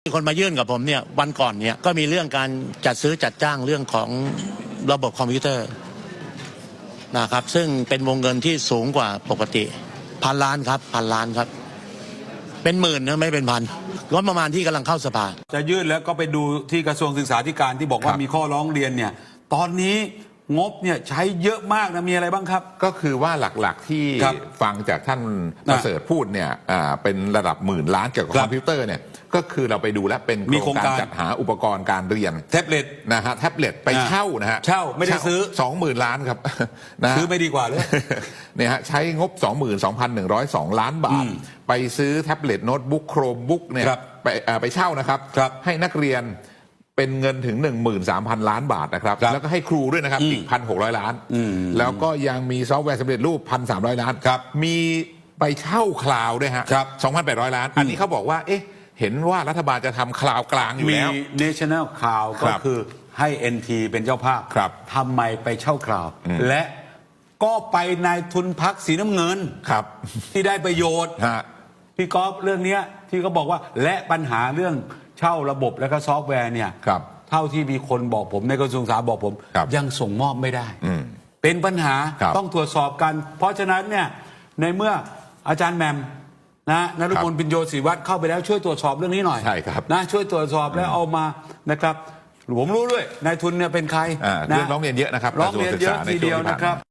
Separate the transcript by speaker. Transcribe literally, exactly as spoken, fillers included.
Speaker 1: มีคนมายื่นกับผมเนี่ยวันก่อนเนี่ยก็มีเรื่องการจัดซื้อจัดจ้างเรื่องของระบบคอมพิวเตอร์นะครับซึ่งเป็นวงเงินที่สูงกว่าปกติพันล้านครับพันล้านครับเป็นหมื่นนะไม่เป็นพันงบประมาณที่กำลังเข้าสภา
Speaker 2: จะยื่นแล้วก็ไปดูที่กระทรวงศึกษาธิการที่บอกว่ามีข้อร้องเรียนเนี่ยตอนนี้งบเนี่ยใช้เยอะมากนะมีอะไรบ้างครับ
Speaker 3: ก็คือว่าหลักๆที่ฟังจากท่านประเสริฐพูดเนี่ยเป็นระดับหมื่นล้านเกี่ยวกับคอมพิวเตอร์เนี่ยก็คือเราไปดูแล้วเป็นโครงการจัดหาอุปกรณ์การเรียน
Speaker 2: แท็บเล็ต
Speaker 3: นะฮะแท็บเล็ตไปเช่านะฮะ
Speaker 2: เช่าไม่ได้ซื้อ
Speaker 3: สองหมื่นล้านครับ
Speaker 2: ซื้อไม่ดีกว่าเลย
Speaker 3: เนี่ยฮะใช้งบ สองหมื่นสองพันหนึ่งร้อยสอง ล้านบาทไปซื้อแท็บเล็ตโน้ตบุ๊กโครมบุ๊กเนี่ยไปไปเช่านะครับให้นักเรียนเป็นเงินถึง หนึ่งหมื่นสามพัน ล้านบาทนะครับแล้วก็ให้ครูด้วยนะครับอีก หนึ่งพันหกร้อย ล้านแล้วก็ยังมีซอฟต์แวร์สำเร็จรูป หนึ่งพันสามร้อย ล้านมีไปเช่าคลาวด์ด้วยฮะ สองพันแปดร้อย ล้านอันนี้เขาบอกว่าเอ๊ะเห็นว่ารัฐบาลจะทำคลาวด์กลางอยู่แล้ว
Speaker 2: มี National Cloud ก็คือให้ เอ็น ที เป็นเจ้าภาพทำไมไปเช่าคลาวด์และก็ไปนายทุนพรรคสีน้ำเงินที่ได้ประโยชน์พี่ก๊อฟเรื่องนี้ที่เขาบอกว่าและปัญหาเรื่องเช่าระบบและก็ซอฟต์แวร์เนี่ยเท่าที่มีคนบอกผมในกระทรวงศึกษาบอกผมยังส่งมอบไม่ได้เป็นปัญหาต้องตรวจสอบกัน เพราะฉะนั้นเนี่ยในเมื่ออาจารย์แหม่มนะนฤมล ปิญโยศิริวัฒน์เข้าไปแล้วช่วยตรวจสอบเรื่องนี้หน่อยนะช่วยตรวจสอบแล้วเอามานะครับผมรู้ด้วยนายทุนเนี่ยเป็นใคร
Speaker 3: เรื่องร้องเรียนเยอะนะครับ
Speaker 2: ร้องเรียนเยอะทีเดียวนะครับ